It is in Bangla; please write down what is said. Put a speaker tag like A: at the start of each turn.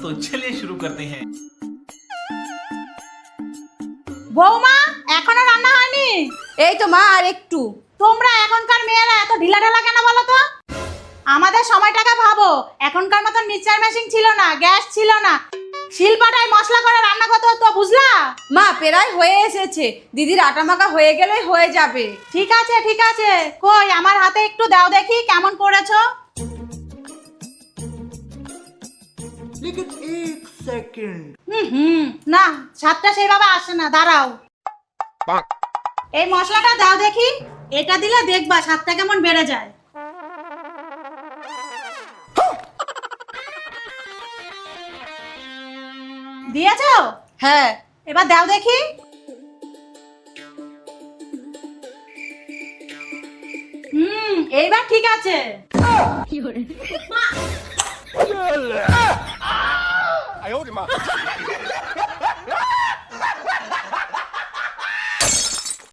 A: तो चलिए शुरू करते हैं।
B: বৌমা এখনো রান্না হয়নি?
C: এই তো মা, আর একটু।
B: তোমরা এখনকার মেয়েরা এত ঢিলা ঢালা কেন বলো তো? আমাদের সময়টাকে ভাবো, এখনকার মতন মিক্সচার মেশিন ছিল না, গ্যাস ছিল না, শিলপাটায় মশলা করে রান্না করতে হতো, বুঝলা?
C: মা প্রায় হয়ে এসেছে, দিদির আটা মাখা হয়ে গেলেই হয়ে যাবে।
B: ঠিক আছে ঠিক আছে, কই আমার হাতে একটু দাও দেখি কেমন করেছো।
D: लेकिन एक सेकंड
B: না, স্বাদটা সেইভাবে আসে না, দাঁড়াও। এই মশলাটা দাও দেখি, এটা দিলে দেখবা স্বাদটা কেমন বেড়ে যায়। দিয়েছো?
C: হ্যাঁ।
B: এবার দাও দেখি। এইবার ঠিক আছে।
E: 哎呦我的妈！